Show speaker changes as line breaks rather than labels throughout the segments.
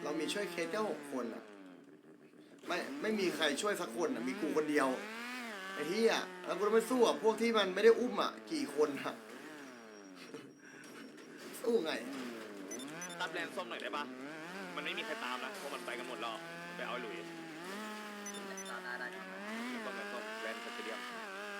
เรามีช่วยเคสแค่6 คนอ่ะไม่มีใครช่วยสักคนอ่ะมีกูคนเดียวไอ้เหี้ยแล้วกูต้องไปสู้กับพวกที่มันไม่ได้อุ้มอ่ะกี่คนอ่ะ สู้ไง
ตามแลนส้มหน่อยได้ปะมันไม่มีใครตามนะเพราะมันไปกันหมดแล้วไปเอาไอ้หลุย
ได้
ส้มแลนส้มแลนสเตเดียม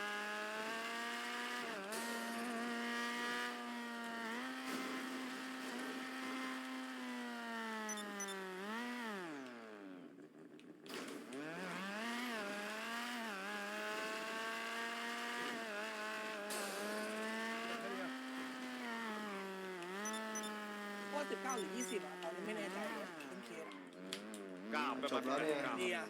ว่า19 หรือ 20อ่ะตอนนี้ไม่แน่ใจเลยเป็นเคส
9ไป
จบแล้วเนี่ย
เดีย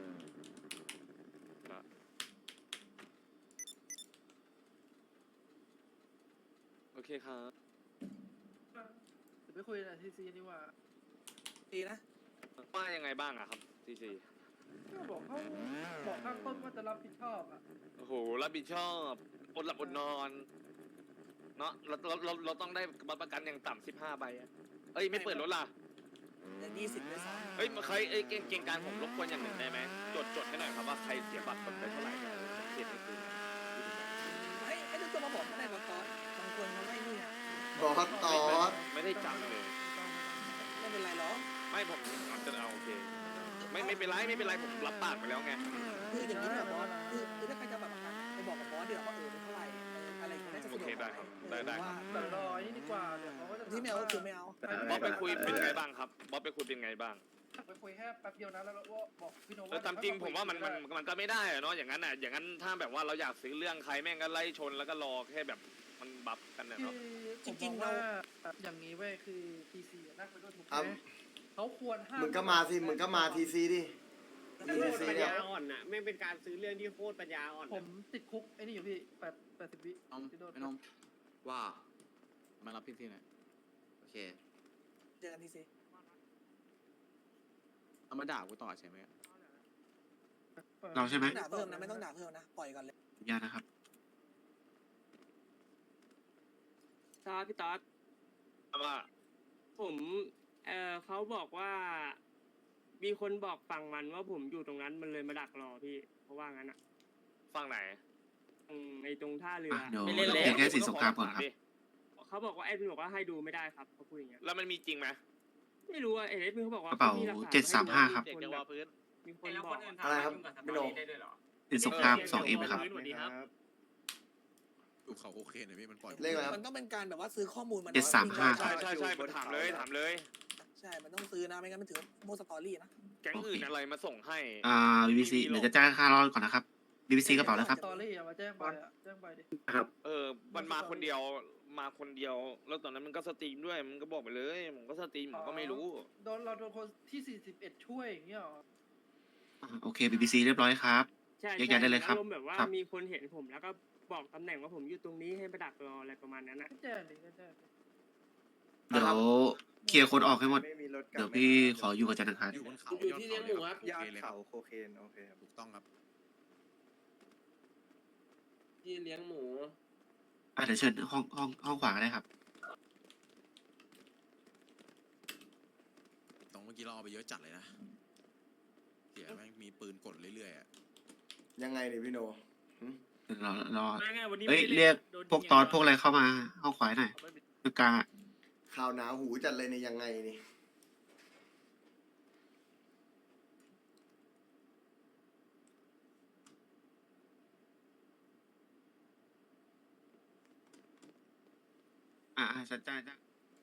โอเคครับ
เดี๋ยวไปคุยกับทีซีดีกว่า
ดีนะ
ว่ายังไงบ้างอะครับทีซี
ก็บอกเขาบอกข้างต้นว่าจะรับผิดชอบอ่ะ
โอ้โหรับผิดชอบอดหลับอดนอนเนาะเราต้องได้บัตรประกันอย่างต่ำ15 ใบอะเอ้ยไม่เปิดรถล่ะ
อย่าง20ด้วยซ้
เอ้ยใครเอ้ยเก่งการผมรบกวนอย่างหนึ่งได้ไหมจดให้หน่อยครับว่าใครเสียบัตรไปเท่าไหร่เนี่ยเสียในคืนนะ
ำให้ทุกคนมาบอกก็ได้บางตอนบางคนเขาไม่นี่
บอสตอส
ไม่ได้จำเลย
ไม่เป็นไรหรอก
ไม่ผมจะเอาโอเคไม่เป็นไรผมรับปากไปแล้วไง
คืออย่างนี้นะบอสคือถ้าใครจะแบบไปบอกกับบอสเดี๋ยวว่าเป็นเท่าไหร่อะไรก็น่าจะสะดวก
โอเคได้ครับได้ครับ
แต่รอนี่ดีกว่าเดี๋ยวเขาก็จะ
ที่ไม่เอาก็คือไม่เอา
บอสไปคุยเป็นไงบ้างครับบอสไปคุยเป็นไงบ้าง
ไปคุยแค่แป๊บเดียวนะแล้วก็บอกพี่โน
ตามจริงผมว่ามันก็ไม่ได้อะเนาะอย่างนั้นอ่ะอย่างนั้นถ้าแบบว่าเราอยากซื้อเรื่องใครแม่งก็ไล่ชนแล้วก็รอแค่แบบมันบัฟกันนะ
คือ
เนาะ
จริงๆว่าอย่างนี้เว้ยคือทีซีนั่งไปด้วยถูกไหมเขาควรห้าม
มึงก็มาสิมึงก็มาทีซีดิ
โคตรปัญญาอ่อนน่ะไม่เป็นการซื้อเรื่องที่โคตรปัญญาอ่อน
ผมติดคุกไอ้นี่อยู่พี่80 วิ
น้อง
ที่โดน
ไอ้น้องว่ามารับพี่ที่ไหนโอเค
เจอกันทีซี
เอามาด่ากูต่อใช่ไหม
เราใช่ไหม
ด่าเพิ่มนะไม่ต้องด่าเพิ่มนะปล่อยก่อนเลย
สัญญานะครับ
ตอสพี่ตอส
ว่า
ผมเขาบอกว่า มีคนบอกฝั่งมันว่าผมอยู่ตรงนั้นมันเลยมาดักรอพี่เพราะว่างั้นอ่ะ
ฟังไหน
ไอ้ตรงท่าเรือ
เดี๋ยว
ไม่เล่น
เรา
แล้
เพียง
ว
แค่สินสงครามก่อนครับ
เขาบอกว่าแอดมินบอกว่าให้ดูไม่ได้ครับเขาพูดอย่างเงี้ย
แล้วมันมีจริงไหม
ไม่รู้ว่าแอดมินเขาบอกว่าก
ระเป๋า
มีหลักฐน
735ครับ
มีคนแบบมีคนบอก
อะไรครับไม่โดน
สินสงคราม 2M ครับ
สวัสดีครับ
ดูเขาโอเคหน่อยพี่มันปล่อย
เลขอะไรครับ
มันต้องเป็นการแบบว่าซื้อข้อมูลมัน
735
ใช่ผมถามเลย
ใช่มันต้องซื้อนะไม่งั้นมันถือโมสตอรี่นะ
แก๊งอื่นอะไรมาส่งให้
BBC เดี๋ยวจะจ้างค่ารอดก่อนนะครับ BBC กระเป๋าแล้วครับ
สตอรี่อะมาแจ้งไปอะแจ้งไปดิ
มันมาคนเดียวแล้วตอนนั้นมันก็สตรีมด้วยมันก็บอกไปเลยผมก็สตรีมผมก็ไม่รู้
เราโดนคนที่41ช่วยอย่างเงี้ยหรอ
โอเค BBC เรียบร้อยครับ
ใช่
แยกย้ายได้เลยครับ
อารมณ์แบบว่า
ครับ
มีคนเห็นผมแล้วก็บอกตำแหน่งว่าผมอยู่ตรงนี้ให้ไปดักรออะไรประมาณนั้นนะ
ก็แจ้งดิก็แจ้งดิ
เดี๋ยวเคลียร์คนออกให้หมด เดี๋ยวพี่ขออยู่กับจันทร์อังคาร
อยู่บนเขา
อยู่ที่เลี้ยงหมูครับ
ยอดเขาโคเคนโอเคถูกต้องครับ
ที่เลี้ยงหมู
เดี๋ยวเชิญห้องขวาก็ได้ครับ
ตรงเมื่อกี้เราเอาไปเยอะจัดเลยนะเสียแม่งมีปืนกดเรื่อยๆอ่ะ
ยังไงเนี่ยพี่โนหึ
เดี๋ยวรอ
ไม่ไงวันนี้
เอ้ย
ไม่ได้
เรียก
โดน
พวกตอนพวกอะไรเข้ามาห้องขวาหน่อยคือกลางอะ
ข่าวหนาหูจัดเลยเนี่ยยังไงนี่
สัญญาจ้ะ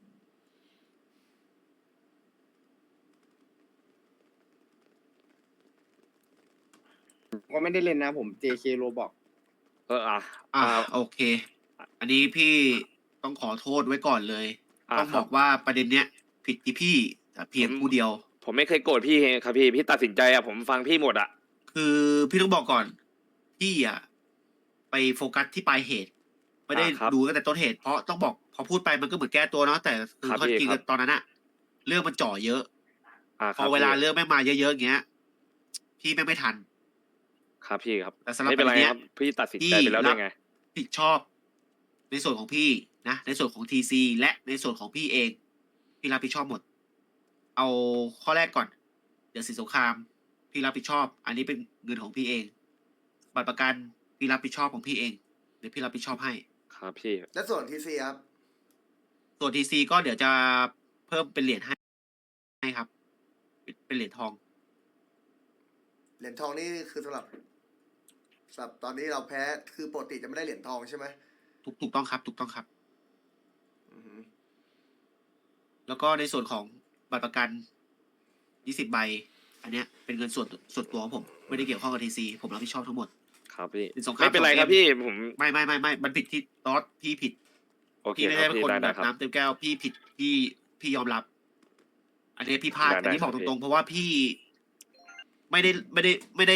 ก็ไม่ได้เล่นนะผม JK โรบอก
โอเค อันนี้พี่ต้องขอโทษไว้ก่อนเลย ต้องบอกว่าประเด็นเนี้ยผิดที่พี่แต่เพียงผู้เดียว
ผมไม่เคยโกรธพี่ครับพี่ตัดสินใจอะผมฟังพี่หมดอะ
คือพี่ต้องบอกก่อน พี่ไปโฟกัสที่ปลายเหตุ ไม่ได้ดูตั้งแต่ต้นเหตุ เพราะต้องบอกพอพูดไปมันก็เหมือนแก้ตัวเนาะแต่คือข้อจริงตอนนั้นอะเรื่องมันจ่อเยอะพอเวลาเรื่องแม่งมาเยอะๆอย่างเงี้ยพี่แม่งไม่ทัน
ครับพี่ครับ
แต่สำหรับ
ไม่เป็นไร
ประเด็นเนี้ย
ครับพี่ตัดสินใจไปแล้วได้ไง
ผิดชอบในส่วนของพี่นะในส่วนของทีซีและในส่วนของพี่เองพี่รับผิดชอบหมดเอาข้อแรกก่อน เดี๋ยวสินสงครามพี่รับผิดชอบ อันนี้เป็นเงินของพี่เอง บัตรประกันพี่รับผิดชอบของพี่เอง เดี๋ยวพี่รับผิดชอบให้
ครับพี่
และส่วนทีซีครับ
ส่วนทีซีก็เดี๋ยวจะเพิ่มเป็นเหรียญให้ครับ เป็นเหรียญทอง
เหรียญทองนี่คือสำหรับตอนนี้เราแพ้คือปกติจะไม่ได้เหรียญทองใช่ไหม
ถูกต้องครับ ถูกต้องครับ
อือหือ
แล้วก็ในส่วนของบัตรประกัน 20 ใบ อันเนี้ยเป็นเงินส่วนตัวของผม ไม่ได้เกี่ยวข้องกับทีซีผมรับผิดชอบทั้งหมด
ครับพี่
เป็นสงคราม
ไม่เป็นไร
สองเกม
ครับพี่ผม
ไม่ มันผิดที่ตอสพี่ผิด
โอเค
พี่ไม่
ค
ได้
รับ
เป็น
พี่
คน
ได้
แบ
ได้
บ
ครับ
น้ำเต็มแก้วพี่ผิดพี่ยอมรับ อันนี้พี่พลาด
ได้
อันนี้บอก
ครับ
ตรงๆเพราะว่าพี่ ไม่ได้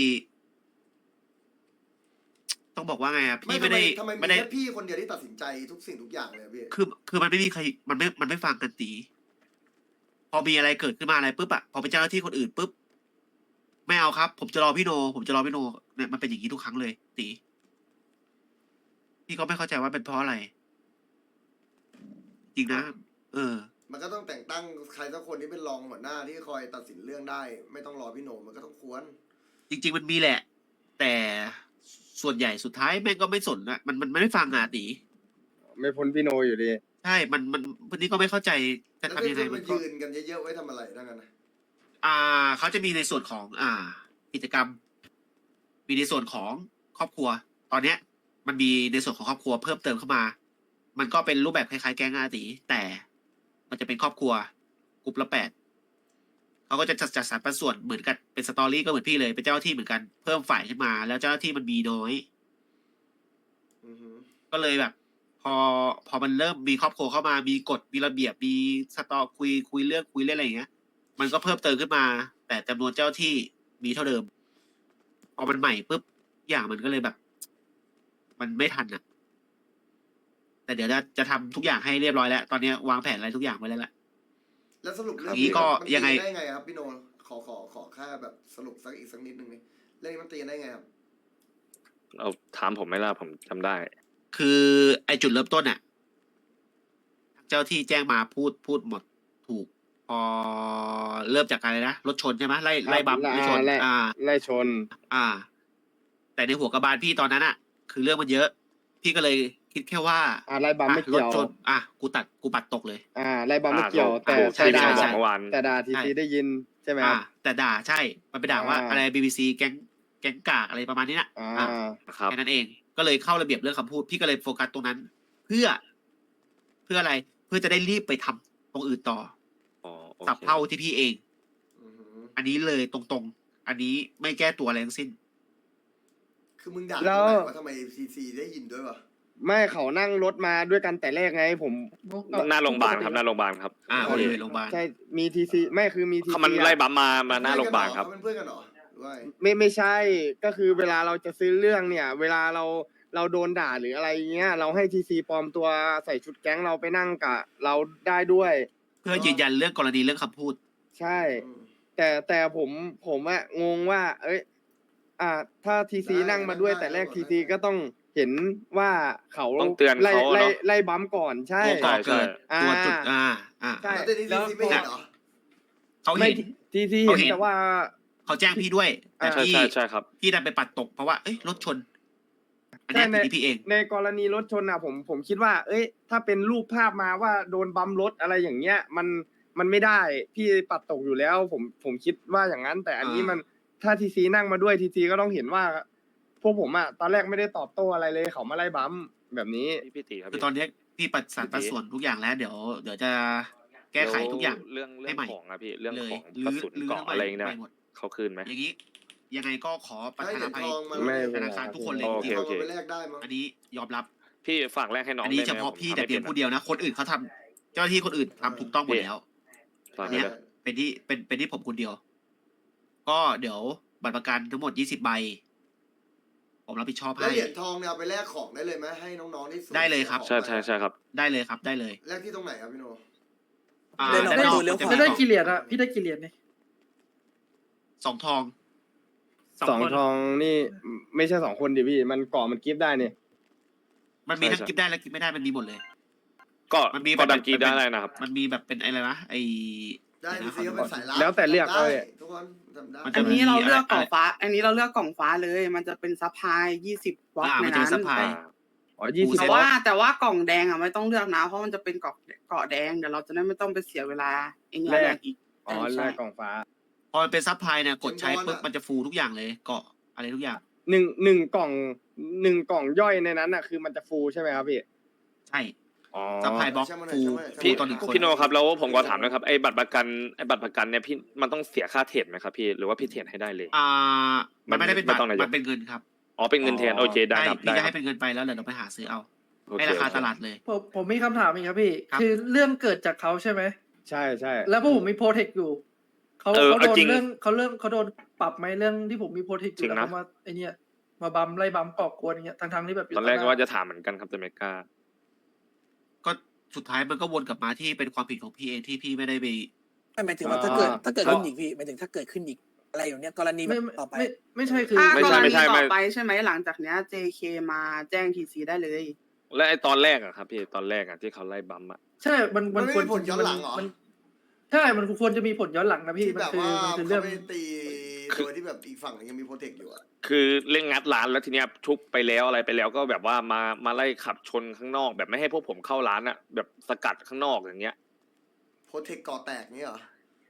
ต้องบอกว่าไงอ่ะพี่ไม่ได้
ทำไมมี
ไม่ได้
แค่พี่คนเดียวที่ตัดสินใจทุกสิ่งทุกอย่างเลยอะพี่
คือมันไม่มีใครมันไม่ฟังกันตี พอมีอะไรเกิดขึ้นมาอะไรปุ๊บอะพอเป็นเจ้าหน้าที่คนอื่นปุ๊บไม่เอาครับ ผมจะรอพี่โนเนี่ยมันเป็นอย่างนี้ทุกครั้งเลยตีพี่ก็ไม่เข้าใจว่าเป็นเพราะอะไร จริงนะ
มันก็ต้องแต่งตั้งใครสักคนที่เป็นรองหัวหน้าที่คอยตัดสินเรื่องได้ ไม่ต้องรอพี่โหนมันก็ต้องควร
จริง ๆ มันมีแหละ แต่ส่วนใหญ่สุดท้ายแม่งก็ไม่สนอะมันไม่ฟังอ่ะตี
ไม่พ้นพี่โนอยู่ดี
ใช่วันนี้ก็ไม่เข้าใจจะ
แล้ว
ทำยังไง
จะ
มั
มาน
ก็
ยืนกันเยอะๆไว้ทำอะไรทั้งนั้นนะ
เขาจะมีในส่วนของกิจกรรม มีในส่วนของครอบครัว ตอนเนี้ย มันมีในส่วนของครอบครัวเพิ่มเติมเข้ามา มันก็เป็นรูปแบบคล้ายๆแก๊งอาตีแต่มันจะเป็นครอบครัวกลุ่มละ8เขาก็จะจัดสรรปันส่วนเหมือนกันเป็นสตอรี่ก็เหมือนพี่เลยเป็นเจ้าหน้าที่เหมือนกันเพิ่มฝ่ายขึ้นมา แล้วเจ้าหน้าที่มันมีน้อย
อือหือ
ก็เลยแบบ พอมันเริ่มมีครอบครัวเข้ามามีกฎมีระเบียบมีสตอคุยเรื่องอะไรอย่างเงี้ย มันก็เพิ่มเติมขึ้นมา แต่จำนวนเจ้าที่มีเท่าเดิม พอมันใหม่ปุ๊บอย่างมันก็เลยแบบ มันไม่ทันอ่ะ แต่เดี๋ยวจะทำทุกอย่างให้เรียบร้อยแล้ว ตอนนี้วางแผนอะไรทุกอย่างไว้แล้วแหละ
แล้วสรุปเรื่อง
อย่างนี้ก็
มันตี
ยังไง
ได้ไงครับพี่โนขอแค่แบบสรุปสักนิดนึงนี่เรื่องนี้มันตีกันได้ไงครับ
เอาถามผมไหม่ล่ะผมจำได้
คือไอจุดเริ่มต้นอ่ะ เจ้าที่แจ้งมาพูดหมดถูก พอเริ่มจากอะไรนะรถชนใช่ไหมไล่บัมป์รถชน
ไล่ชน
แต่ในหัวกระบาลพี่ตอนนั้นอ่ะ คือเรื่องมันเยอะ พี่ก็เลยคิดแค่ว่า
ไล่บัมไม่
ร
เกี่
ถ
ยว
ชนกูปัดตกเลย
ไล่บัมไม่เกี่ยว แต่
ใช่
แต่
ใช่
ด่า
ใช่
เมื่อวาน
แต่ด่าทีซีได้ยินใช่ไหมครับ
แต่ด่าใช่ มันไปด่าว่า
อ่า
อะไร BBC แก๊งกากอะไรประมาณนี้นะ
อ่า
ครับ
แค่นั้นเอง ก็เลยเข้าระเบียบเรื่องคำพูด พี่ก็เลยโฟกัสตรงนั้น เพื่ออะไร เพื่อจะได้รีบไปทำตรงอื่นต่อ
อ๋อโอ
สับ
เค
เท่าที่พี่เอง
อือหือ
อันนี้เลยตรงๆ อันนี้ไม่แก้ตัวอะไรทั้งสิ้น
คือมึงด่า
แล้
ตร
ว
งไหนว่าทำไมซีได้ยินด้วยวะ
ไม่เขานั่งรถมาด้วยกันแต่แรกไงผม
หน้าโรงพยาบาลครับหน้าโรงพยาบาลครับ
บริเวณโรงพยาบาล
ใช่มีทีซีไม่คือมีทีซี
เขามันไล่บัมมาหน้าโรงพยาบาลครับ
เขาเป็นเพื่อนกันเหรอหรือว่าไง
ไม่ใช่ก็คือเวลาเราจะซื้อเรื่องเนี่ย เวลาเราโดนด่าหรืออะไรเงี้ย เราให้ทีซีปลอมตัวใส่ชุดแก๊งเราไปนั่งกับเราได้ด้วย
เพื่อยืนยันเรื่องกรณีเรื่องคำพูด
ใช่
อืม
แต่ผมอะงงว่า เอ้ยถ้าทีซี
ได้
นั่งมาด้วย
ได้
แต่แรก
ได้
ทีซีก็ต้องเห็นว่าเขา
ต้องเตือน
ไล่
เขาเนอะ
ไล่บัมก่อนใช่
ตัวก่อเกิด
อ่า
ตัวจุด
ใช่
แล้วแต่นี่ซีไม่เห็นเหรอ
เขา
ไม่
เห็น
ทีซี
เขา
เห็
เห็
น
น
แต่ว่า
เขาแจ้งพี่ด้วย แต่
อ่า
พี่
ใช่ครับ
พี่ดันไปปัดตกเพราะว่า เอ้ยรถชน อันเนี้ย
ใช่
ผิดที่พี่เอง
ในกรณีรถชนอ่ะผมคิดว่า เอ้ย ถ้าเป็นรูปภาพมาว่าโดนบัมรถอะไรอย่างเงี้ย มันไม่ได้พี่ปัดตกอยู่แล้ว ผมคิดว่าอย่างนั้น แต่อันนี้มันถ้าทีซีนั่งมาด้วยทีซีก็ต้องเห็นว่า พวกผมอ่ะตอนแรกไม่ได้ตอบโต้อะไรเลยเขามาไล่บัมแบบนี้
พี่ตีครับ
คือตอนเนี้ยพี่ปัดสรรปัดส่วนทุกอย่างแล้ว เดี๋ยวจะแก้ไขทุกอย่าง
เรื่อง
ให้ใหม่
ของอะพี่เรื่อง
เลย
ของกระสุนเกาะอะไรเนี่ย
ใหม่หมด
เขาคืนไหม
อย่างนี้ ยังไงก็ขอประ
ให้
ทาน
เหรี
อย
ญ
ภั
ท
ย
องมา
ไม่
ธนาคารทุกคนเลย
โอ
จ
เค
ริง
ทองมาไปแลกได้มั้ง
ๆอันนี้ยอมรับ
พี่ฝากแรกให้น้อง
อันนี้
ได้ไหม
เฉพาะ
ผม
พี่
ทำ
แต่
ไม่
เพียง
น
ผู้เดียวนะ คนอื่นเขาทำเจ้าหน้าที่คนอื่นทำถูกต้องหมดแล้ว
ฝาก
อัน
เล
เนี้
ย
ยเป็นที่ผมคนเดียว ก็เดี๋ยวบัตรประกันทั้งหมด20 ใบ ผมรับผิดชอบ
แล้ว
ให้
เหรียญทองเนี่ยเอาไปแลกของได้เลยไหมให้น้องๆที่สูญ
ได้เลยครับ
สีของ
ใช่ครับ
ได้เลยครับได้เลย
แลกที่ตรงไหนครับพี่โน
เดี๋ยวเรา
ด้านนอก
ดูเรื่อง
จะ
ข
มี
แล้วได้
กล่อง
กี่เหรียญอะพี่ได้กี่เหรียญเนี่ย
2 ทอง
สอง
คน
ทองนี่ไม่ใช่2 คนดิพี่ มันก่อมันกิฟต์ได้เนี่ย
มันมีทั้ง
ใช่
กิฟต์ได้และกิฟต์ไม่ได้มันมีหมดเลย
ก็
มันมี
ก็
แบบ
ดันกีได้อะไรนะครับ
มันมีแบบเป็นอะไรนะไอ
ได้ทีซีก็เป็นสายลับ
แล้วแต่เลือก
ได้
เลย
ทุกคนทำได้
มัน
อั
จะ
นนี้เราเลือกกล่อง
อะไร
ฟ้า อันนี้เราเลือกกล่องฟ้าเลย มันจะเป็นซัพพลาย20บล็อกใน
มันจะ
นั้น
ซัพพลาย
อ๋อ20
แต่
บล็อก
แต่ว่ากล่องแดงอ่ะไม่ต้องเลือกนะ เพราะมันจะเป็นเกาะแดงเดี๋ยวเราจะได้ไม่ต้องไปเสียเวลาไอ้เนี่ยแรกอีก
อ๋อ
ใช่
แลกกล่องฟ้า
พอมันเป็นซับพลายเนี่ยกดใช้ปุ๊บมันจะฟูทุกอย่างเลยเกาะอะไรทุกอย่าง
หนึ่งกล่องกล่องย่อยในนั้นอ่ะคือมันจะฟูใช่ไหมครับพี่
ใช่
อ๋อ
ซัพพลายบล็อก
ช่างมัน
ฟู
เถอะ
ฟู
พี่
ตอนหนึ่งคน
พี่โนครับแล้วผมก็ถามนะครับไอ้บัตรประกันเนี่ยพี่มันต้องเสียค่าเทรดไหมครับพี่หรือว่าพี่เทรดให้ได้เลย
มันไม่ได้เป็นบัตร
ไม่ต้องนายก
มันเป็นเงินครับ
อ๋อเป็นเงินแทนโอเคได้ครับ
พี่
ได้
จะ
ครั
ให้
บ
เป็นเงินไปแล้วเดี๋ยวเราไปหาซื้อเอา
โอเค
ให้ราคาตลาดเลย
ผมมีคำถามอีกครับพี่
ครับ
คือเรื่องเกิดจากเขาใช่ไหม
ใช่ใช่
แล้วพวกผมมีโปรเทคอยู่เขา
เออ
เขาโดน
จริง
เรื่องเขาโดนปรับไหมเรื่องที่ผมมีโปรเทคอ
จริ
ยู่
ง
แล้ว
นะ
เขามาไอเนี่ยมาบัมไล่บัมก่อกวนอย่างเงี้ยทั้งที่แบบยู่
ตอนแรก
ห
ก็ว่าจะถามเหมือนกันครับแต่ไม่กล้า
ก็สุดท้ายมันก็วนกลับมาที่เป็นความผิดของพี่เองที่พี่ไม่ได้ไป
หมายถึงว่าถ้าเกิดขึ้นอีกพี่หมายถึงถ้าเกิดขึ้นอีกอะไรอย่างเนี้ยกรณีแบ
ไม่
บต่อไป
ไม่ใช่คือ
ถ้า
ไม่
ก
ใช่
ร
ไม่
ณี
ใช่
ต่
ไม่
อไปใช่ไหมหลังจากเนี้ย JK มาแจ้ง TC ได้เลย
และไอ้ตอนแรกอะครับพี่ตอนแรกอะที่เขาไล่บัมอะ
ใช่มัน
มันไม่
ควร
มีผลย้อนหลังเหรอ
มันใช่มันควรจะมีผลย้อนหลังนะพี่
ที่
มัน
แบบ
คือ
ว่า
มันคือ
เขา
เรื่อง
ไปตีโดยที่แบบอีกฝั่งยังมีโปรเทคอยู่อะ
คือเล่นงัดร้านแล้วทีเนี้ยชุบไปแล้วอะไรไปแล้วก็แบบว่ามาไล่ขับชนข้างนอก แบบไม่ให้พวกผมเข้าร้านอะแบบสกัดข้างนอกอย่างเงี้ย
โปรเทคก่อแตกเงี้ยเหรอ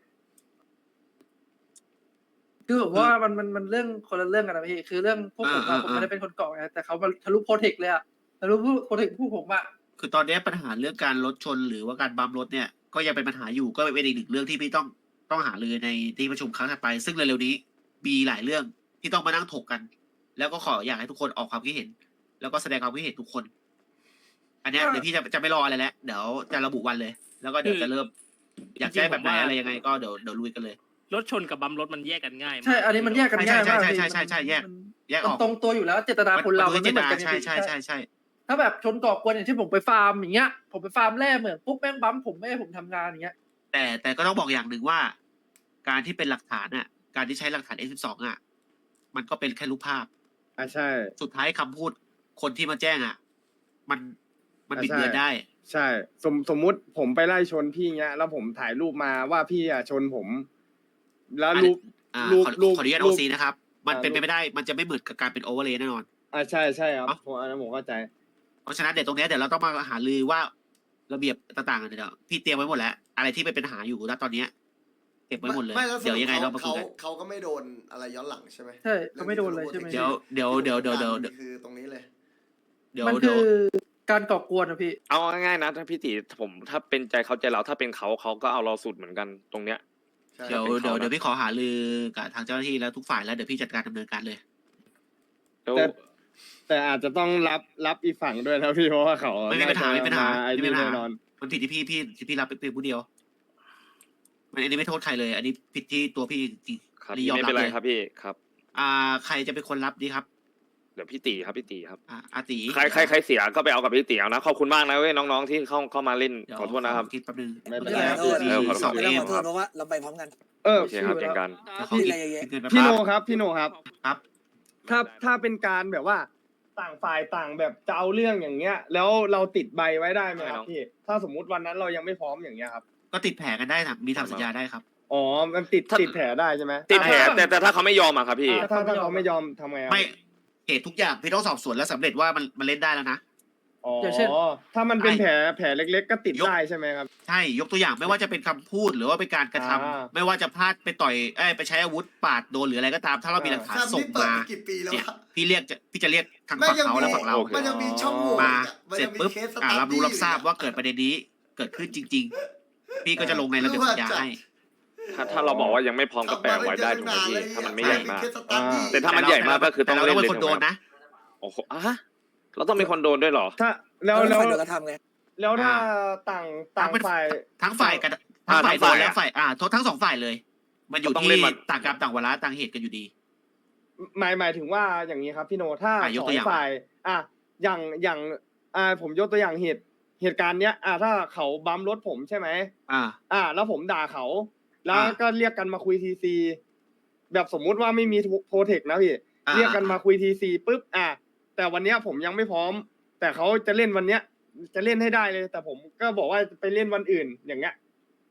คือผมว่ามันเรื่องคนละเรื่องกันนะพี่คือเรื่องพวกผมอะผมไม่ได้เป็นคนก่อไงแต่เขามาทะลุโปรเทคเลยอะทะลุโปรเทคพวกผมอะ
คือตอนนี้ปัญหาเรื่องการรถชนหรือว่าการบัมรถเนี่ยก็ยังเป็นปัญหาอยู่ก็เป็นอีกหนึ่งเรื่องที่พี่ต้องหารือในที่ประชุมครั้งถัดไป ซึ่งเร็วๆนี้มีหลายเรื่องที่ต้องมานั่งถกกัน แล้วก็ขออยากให้ทุกคนออกความคิดเห็น แล้วก็แสดงความคิดเห็นทุกคน อันเนี้ยเดี๋ยวพี่จะไม่รออะไรแล้วเดี๋ยวจะระบุวันเลย แล้วก็เดี๋ยวจะเริ่ม อยากได้แบบไหนอะไรยังไงก็เดี๋ยวลุยกันเลย
รถชนกับบัมรถมันแยกกันง่าย
ใช่ อันนี้มันแยกกันง่ายมาก
ใช่
พี่
ใช่แยก
มัน
แยกอ
มั
อน ก
ตรงตัวอยู่แล้วเจตนาคนเรามันไม่เหมือนกัน
ใช่
พี่
ใช่
ถ้าแบบชนก่อกวนอย่างที่ผมไปฟาร์มอย่างเงี้ยผมไปฟาร์มแร่เหมือนปุ๊บแม่งบัมผมไม่ให้ผมทำงานอย่างเงี้ย
แต่ก็ต้องบอกอย่างหนึ่งว่า การที่เป็นหลักฐานอ่ะ การที่ใช้หลักฐาน S12 อ่ะ มันก็เป็นแค่รูปภาพ
อ่ะใช่
สุดท้ายคำพูดคนที่มาแจ้งอ่ะ มันบิด
ใช่
เบือนได้
ใช่สมมุติผมไปไล่ชนพี่เงี้ยแล้วผมถ่ายรูปมาว่าพี่อ่ะชนผม แล้วรูป รูป
ขออนุญาต
รู
โอ
ป
ซีนะครับ มันเป็นไป
รูป
ไม่ได้ มันจะไม่เหมือนกับการเป็นโอเวอร์เลยแน่นอน
อ่ะใช่ใช่ครับ
เอ้า
ผมอันนั้นผมเข้าใจ
เพราะฉะนั้นเดี๋ยวตรงเนี้ยเดี๋ยวเราต้องมาหารือว่าระเบียบต่างๆกันเดี๋ยวพี่เตรียมไว้หมดแล้ว อะไรที่เป็นปัญหาอยู่ณตอนเนี้ยเก็บไว้หมดเลย
ไม่แล้วส
เดี๋ยว
รุป
ยังไงเรามาคุยกัน
เขาก็ไม่โดนอะไรย้อนหลังใช่ไหม
ใช่เขาไม่โดนเลยใช่ไหม
เดี๋ยว
คือตรงนี้เลย
มันคือการก่อกวนนะพี่
เอาง่ายๆนะถ้าพี่ตีผมถ้าเป็นใจเขาใจเราถ้าเป็นเขาก็เอาเราสุดเหมือนกันตรงเนี้ย
ใช่
เดี๋ยว
เป็นเขานะ
เดี๋ยวพี่ขอหารือกับทางเจ้าหน้าที่แล้วทุกฝ่ายแล้วเดี๋ยวพี่จัดการดำเนินการเลย
แล้ว
แต่อาจจะต้องรับอีกฝั่งด้วยนะพี่เพราะว่าเขา
ไม่มีปัญหา
น่จะ
ไม่มีปัญหา
ไอ้
ไม่มี
นี่
ปัญหา
แน่นอน
มันผิดที่พี่รับเป็นผู้เดียวอันนี้ไม่โทษใครเลย อันนี้ผิดที่ตัวพี่จริง
ครับ
อันนี้ยอม
ไม่
รับ
เป็นไร
เลย
ครับพี่ครับ
ใครจะเป็นคนรับดีครับ
เดี๋ยวพี่ตีครับพี่ตีครับ
อาตี
ใครเสียก็ไปเอากับพี่ตีเอานะขอบคุณมากนะเว้ยน้องๆที่เข้ามาเล่น
เดี๋ยว
ขอโทษนะครับ
คิดแป๊บนึง
ไม่เป็น
ไม่
ไร
เป็นไร
ขอโทษ
สอง
ไม่
เอ
ต้อง
ม
ขอโทษเพราะว่าเราไปพร้อมกัน
เออ
โอเคครับเจอกัน
แล้วเขาคิดเงินไป
พี่โน
ปั๊บ
ครับพี่โนครับ
ครับ
ถ้าเป็นการแบบว่าต่างฝ่ายต่างแบบจะเอาเรื่องอย่างเงี้ย แล้วเราติดใบไว้ได้ไหมครับพี่ถ้าสมมุติวันนั้นเรายังไม่พร้อมอย่างเงี้ยครับ
ก็ติดแผลกันได้นะมีทำสัญญาได้ครับ
อ๋อมันติดแผลได้ใช่ไหม
ติดแผลแต่ถ้าเขาไม่ยอมอะครับพี่
ถ้าเขาไม่ยอมทำไงครับ
ไม่เหตุทุกอย่างพี่ต้องสอบสวนแล้วสำเร็จว่ามันเล่นได้แล้วนะ
อ๋อ
อย่างเช่น
ถ้ามันเป็นแผลเล็กๆ ก็ติดได้ใช่ไหมครับ
ใช่ยกตัวอย่างไม่ว่าจะเป็นคำพูดหรือว่าเป็นการกระทำ
อ่า
ไม่ว่าจะพลาดไปต่อยไปใช้อาวุธปาดโดนหรืออะไรก็ตาม ถ้าเรามีหลักฐาน
แซม
ส่ง
นี่เปิด
มา
มากี่ปีแล้ว
เนี่ยว
ะ
พี่จะเรียกทาง
ไม่
ฝั่ง
ยัง
เขา
มี
และฝั่งเรา
มันยังมีช่องโหว่
มา
มัน
เสร็
ยั
จ
งมี
ปุ๊บ
เคสสตาร์
รับรู้
ดี้
รับทราบ
อยู่
ว่าเกิดประเด็นนี้เกิดขึ้นจริง ๆ พี่ก็จะลงในระเบียบสัญญาให้
ถ้าเราบอกว่ายังไม่พร้อมก็แปลไว้ได้ถูกไหมพี่ถ้ามันไม่ใหญ่มาก
เคสสตาร์ดี้
แต่ถ้ามันใหญ่มากก็คือต้อง
เรา
เล่น
เป็น
เลย
คนโดนนะ
โอ้โหเราต้องมีคนโดนด้วยเหรอ
ถ้าแล้ว
แล้วฝ่ายเดียวกันทำไง
แล้วถ้าต่างฝ่าย
ทั้งฝ่ายกับทั้งฝ่ายโดนและฝ่ายโทษทั้งสองฝ่ายเลย มันอยู่
ต้อง
ที่
เล่นมัน
ต่างกรรมต่างวาระต่างเหตุกันอยู่ดี
หมายถึงว่าอย่างนี้ครับพี่โนถ้า
ยก
สอ
ตัว
ง
อย่าง
ฝ่ายอย่างผมยกตัวอย่างเหตุการณ์เนี้ยถ้าเขาบัมรถผมใช่ไหม แล้วผมด่าเขา แล้วก็เรียกกันมาคุยทีซีแบบสมมุติว่าไม่มีโปรเทคนะพี่เรียกกันมาคุยทีซีปุ๊บแต่วันเนี้ยผมยังไม่พร้อม แต่เขาจะเล่นวันเนี้ยจะเล่นให้ได้เลย แต่ผมก็บอกว่าไปเล่นวันอื่นอย่างเงี้ย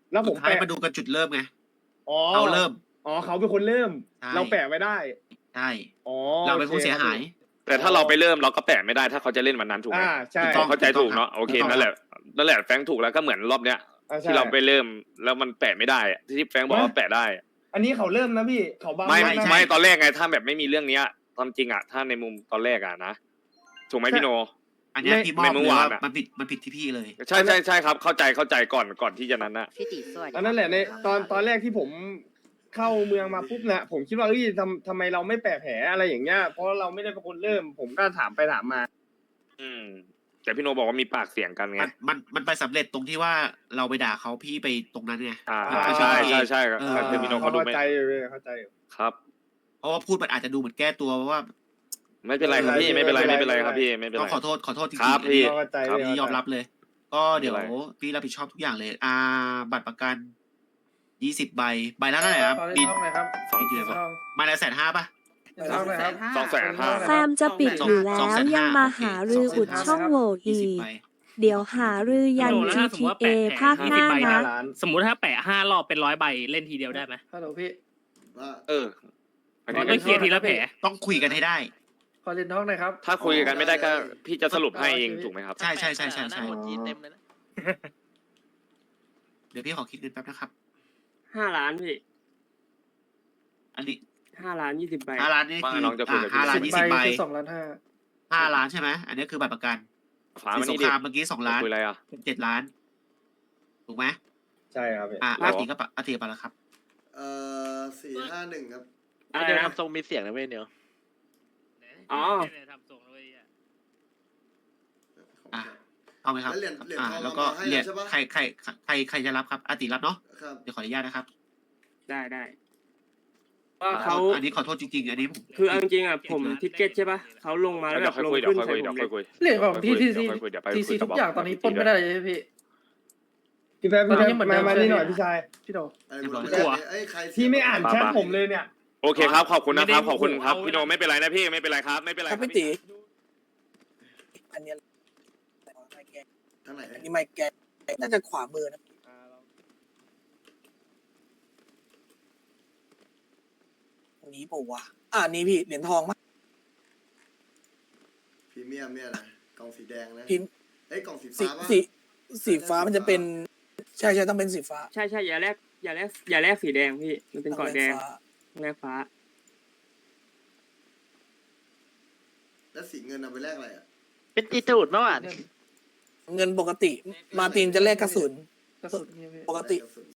แล้วผ
สุ
ม
ดท้าย
แปะ
มาดูกันจุดเริ่มไง
อ๋อ
เราเริ่ม
อ๋อเขาเป็นคนเริ่ม
ใช่
เราแปะไว้ได้
ใช่
อ๋อ
เราเป็นผู้เสียหาย
แต่ถ้าเราไปเริ่มเราก็แปะไม่ได้ถ้าเขาจะเล่นวันนั้นถูกไหม
ใช่
ถูกต้อง
เข้าใจถูกเนาะโอเค
ถูกต้อง
นั่นแหละแฟรงค์ถูกแล้วก็เหมือนรอบเนี้ย
ใช่
ที่เราไปเริ่มแล้วมันแปะไม่ได้อะที่แฟรงค์บอกว่าแปะได้อะ
อันนี้เขาเริ่มนะพี่เขาบัม
ไม่
รถนะ
ไม่ตอนแรกไงถ้าแบบไม่มีเรื่องเนี้ยตอนจริงอะถ้าในมุมตอนแรกอะนะถูกไหมพี่โน
อันเนี้ยพี่มอบ
ในเมื่
เล
อย วาน
ว่า
อะ
มันผิดที่พี่เลย
ใช่ครับเข้าใจก่อนที่จะนั้นนะ
พี่ติสวัสดี
อันนั้นแหละในตอนแรกที่ผมเข้าเมืองมาปุ๊บนะผมคิดว่าเอ้ยทำไมเราไม่แปะแผลอะไรอย่างเงี้ยเพราะเราไม่ได้เป็นคนเริ่ม ผมก็ถามไปถามมา
แต่พี่โนบอกว่ามีปากเสียงกันไง
มันไปสำเร็จตรงที่ว่าเราไปด่าเขาพี่ไปตรงนั้นไง
ใช่ครับแต่พี่โนเขาดู
เข้า
ไม่
ใจอยู่เข้าใจอยู่
ครับ
เพราะว่าพูดมันอาจจะดูเหมือนแก้ตัวเพราะว่า
ไม่เป็นไรครับพี่ไม่เป็นไรครับพี่ไม่เป็น
ต้
ไร
องขอโทษจริง
ครับ
ๆอันนี้
เข้าใจ
ครับ
อันนี้ยอมรับเลย ก็เดี๋ยว
ไม่เป็นไร
พี่รับผิดชอบทุกอย่างเลย บัตรประกัน20 ใบใบละเท่าไหร่ครับ
ขอเล่น
บิน
ห้องหน่อยครับ
สองเดือน
ห้อง
มาละ150,000ป่ะ
เล่นห้องหน่อยครับ
250,000
แฟมจะปิดอยู่แล้วยังมาหารืออุดช่องโหว่อี
20
ก
ใบ
เดี๋ยวหารือยัน GTA ภาคหน้านะ
สมมุติถ้าแปะ5 รอบเป็น100 ใบเล่นทีเดียวได้ไหม
ฮัลโหลพี่
ว่า
อันนี้
ก็เคลียร์ทีละแผล
ต้องคุยกันให้ได้
ขอเล่นห้องหน่อยครับ
ถ้าคุยกันไม่ได้ก็พี่จะสรุปให้เองถูกไหมครับ
ใช่เดี๋ยวพี่ขอคิดเงินแป๊บนะครับ
5 ล้านพี่
อันนี้
5 ล้าน 20 ใบ
5 ล้านนี่คือ
ว่าน้องจะคุยกับพี่
5 ล้าน 20 ใบ
คือ2,500,000
5 ล้านใช่ไหมอันนี้คือบัตรประกัน
ฝา
สิ
มัน
นส
นี่
ง
ดิ
ครามเมื่อกี้2 ล้าน
คุยอะไรอ่ะ
เป็น7 ล้าน ถูกไหม
ใช่ครับพี่
อาติก็ปะอาติไปแล้วครับ
451ครับ
อะไรนะ
ทำทรงมีเสียงนะเว้ยเนียว
อ๋อ
อ่ะเอาไหมครับ
แล้วเหรียญทอง
แล้วก็
เอามาให้
เหรียญ
ใช่ปะ
ใครจะรับครับอาติรับเนาะ
ครับ
เดี๋ยวขออนุญาตนะครับ
ได้ว่าเขา
อันนี้ขอโทษจริงๆอันนี้ผม
คือเอาจริงๆอ่ะผมทิกเก็ตใช่ปะเขาลงมาแล้ว
เดี๋
แบ
ยว
บ
ค่อย
ลง
คุยเดี๋ยว
ขึ้น
ค่อย
ใส่
คุย
ผม
เดี๋ยว
เลย
ค่อยคุย
เหรียญของ
เดี๋ยวค่อยคุย
ทีซีทุกอย่างตอนนี้ปล้นไม่ได้เลยใช่ไหมพี่
พี่แป๊บ
ตอนนี้เหมือนเดิม
มานี่หน่อยพี่ชาย
พี่โด
ใครเสีย
พี่ไม่อ่านแชทผมเลยเนี่ย
โอเคครับขอบคุณนะครับขอบคุณครับพี่โนไม่เป็นไรนะพี่ไม่เป็นไรครับไม่เป็นไร
ครับพี่ตีอันเนี้ยไม่แก
ทางไหน
อันนี้ไม่แกน่าจะขวามือนะอันนี้ปะวะอันนี้พี่เหรียญทองมั้ย
พรีเมียมเนี่ยนะกล่องสีแดงนะ
พิมพ์
กล่องสี
สี
ฟ้าปะ
สีฟ้ามันจะเป็น ใช่ต้องเป็นสีฟ้า
ใช่อย่าแลกสีแดงพี่มันเป็นเกาะแดง
ฟ้า
แลกฟ้า
แล้วสีเงินเอาไปแลกอะไรอ่ะ
เป็นตีตูดเมื่อวาน
เงินปกติ มาร์ตินจะแลกกระสุน
กระสุนเนี่ยพี่
ปกติ
แลกระสุน